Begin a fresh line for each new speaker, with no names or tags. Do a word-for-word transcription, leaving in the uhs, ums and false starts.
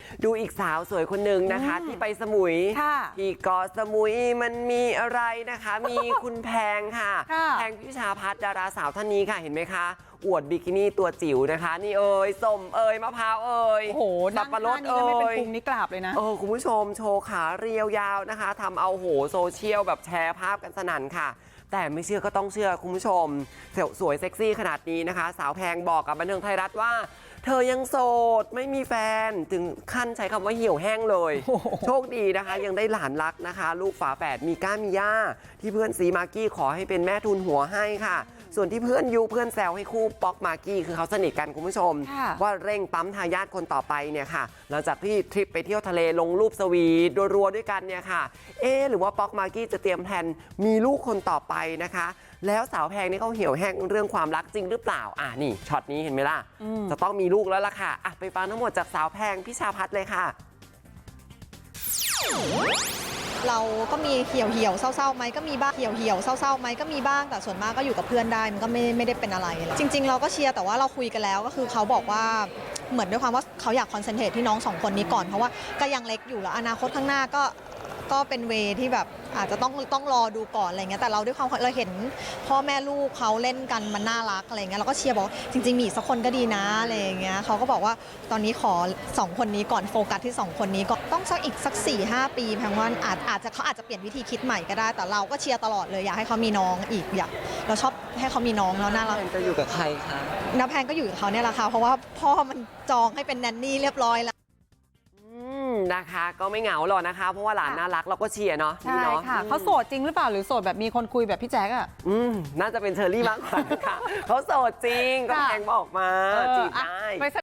ดูอีกสาวสวยคนหนึ่งนะคะที่ไปสมุยที่เกาะสมุยมันมีอะไรนะคะมีคุณแพงค่ะแพงพิชาพัฒน์ดาราสาวท่านนี้ค่ะเห็นไหมคะอวดบิกินี่ตัวจิ๋วนะคะนี่เอ่ยส้มเอ่ยมะพร้าวเอ่ย
โอ้โหสับปะรดเอ่ยไม่เป็นพุงนี่กราบเลยนะ
เออคุณผู้ชมโชว์ขาเรียวยาวนะคะทำเอาโหโซเชียลแบบแชร์ภาพกันสนั่นค่ะแต่ไม่เชื่อก็ต้องเชื่อคุณผู้ชมสวยเซ็กซี่ขนาดนี้นะคะสาวแพงบอกกับบันเทิงไทยรัฐว่าเธอยังโสดไม่มีแฟนถึงขั้นใช้คำว่าเหี่ยวแห้งเลยโชคดีนะคะยังได้หลานรักนะคะลูกฝาแฝดมีก้ามีย่าที่เพื่อนซีมากกี้ขอให้เป็นแม่ทุนหัวให้ค่ะส่วนที่เพื่อนยูเพื่อนแซวให้คู่ป๊อกมากกี้คือเขาสนิทกันคุณผู้ชมว่าเร่งปั๊มทายาทคนต่อไปเนี่ยค่ะหลังจากที่ทริปไปเที่ยวทะเลลงรูปสวีทรัวๆด้วยกันเนี่ยค่ะเอ๊หรือว่าป๊อกมากกี้จะเตรียมแผนมีลูกคนต่อไปนะคะแล้วสาวแพงนี่เขาเหี่ยวแห้งเรื่องความรักจริงหรือเปล่าอ่ะนี่ช็อตนี้เห็นไหมล่ะจะต้องมีลูกแล้วล่ะค่ะอ่ะไปฟังทั้งหมดจากสาวแพงพิชาพัฒน์เลยค่ะ
เราก็มีเหี่ยวเหี่ยวเศร้าๆไหมก็มีบ้างเหี่ยวเหี่ยวเศร้าๆไหมก็มีบ้างแต่ส่วนมากก็อยู่กับเพื่อนได้มันก็ไม่ไม่ได้เป็นอะไรจริงๆเราก็เชียร์แต่ว่าเราคุยกันแล้วก็คือเขาบอกว่าเหมือนด้วยความว่าเขาอยากคอนเซนเทรตที่น้องสองคนนี้ก่อนเพราะว่าก็ยังเล็กอยู่แล้วอนาคตข้างหน้าก็ก็เป็นเวที่แบบอาจจะต้องต้องรอดูก่อนอะไรเงี้ยแต่เราด้วยความเราเห็นพ่อแม่ลูกเขาเล่นกันมันน่ารักอะไรเงี้ยเราก็เชียร์บอกจริงๆมีสักคนก็ดีนะอะไรเงี้ยเขาก็บอกว่าตอนนี้ขอสองคนนี้ก่อนโฟกัสที่สองคนนี้ก็ต้องสักอีกสัก สี่ห้า ปีแพงว่าอาจอาจจะเขาอาจจะเปลี่ยนวิธีคิดใหม่ก็ได้แต่เราก็เชียร์ตลอดเลยอยากให้เขามีน้องอีกอยากเราชอบให้เขามีน้องแล้วน่ารัก
จะอยู่กับใครคะ
น้าแพงก็อยู่กับเขาเนี่ยแหละค่ะเพราะว่าพ่อมันจองให้เป็นแนนนี่เรียบร้อยแล้ว
นะคะก็ไม่เหงาหรอกนะคะเพราะว่าหลานน่ารักเราก็เชียร์เนาะ
ใช่ค่ะเขาโสดจริงหรือเปล่าหรือโสดแบบมีคนคุยแบบพี่แจ๊กอ่ะ
อืมน่าจะเป็นเชอรี่มากกว่าค่ะเขาโสดจริงก็แพงบอกมาจีบได้